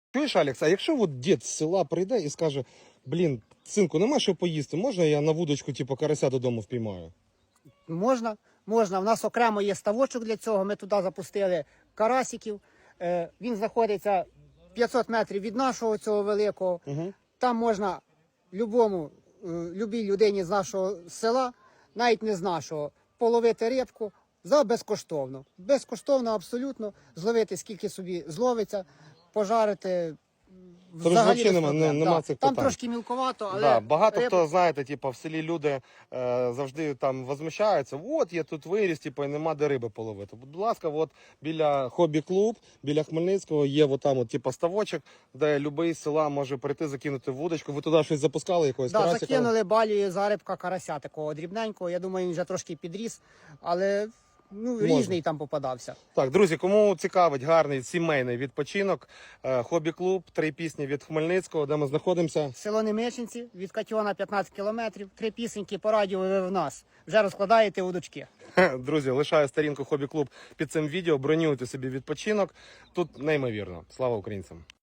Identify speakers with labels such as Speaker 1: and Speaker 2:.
Speaker 1: Чуєш, Алекс, а якщо от дід з села прийде і скаже, блін, синку, нема що поїсти, можна я на вудочку, типу, карася додому впіймаю?
Speaker 2: Можна, можна. У нас окремо є ставочок для цього. Ми туди запустили карасиків. Він знаходиться 500 метрів від нашого цього великого.
Speaker 1: Угу.
Speaker 2: Там можна любій людині з нашого села, навіть не з нашого, половити рибку за безкоштовно. Безкоштовно абсолютно зловити, скільки собі зловиться, пожарити.
Speaker 1: Тобто взагалі нема цих
Speaker 2: Там
Speaker 1: питань.
Speaker 2: трошки мілковато, але
Speaker 1: Да, багато хто, знаєте, типу, в селі люди завжди там возмущаються, от я тут виріс, типу, і нема де риби половити. Будь ласка, от біля хобі-клуб, біля Хмельницького є от там, от, типу, ставочок, де любий з села може прийти, закинути вудочку. Ви туди щось запускали, якогось
Speaker 2: да,
Speaker 1: карасика?
Speaker 2: закинули балію зарибка карася такого дрібненького. Я думаю, він вже трошки підріс, але різний там попадався.
Speaker 1: Так, друзі, кому цікавить гарний сімейний відпочинок, хобі-клуб, 3 пісні від Хмельницького, де ми знаходимося.
Speaker 2: Село Немеченці, від Катьона 15 кілометрів, 3 пісеньки по радіо ви в нас. Вже розкладаєте удочки.
Speaker 1: Друзі, лишаю сторінку хобі-клуб під цим відео, бронюйте собі відпочинок. Тут неймовірно. Слава українцям!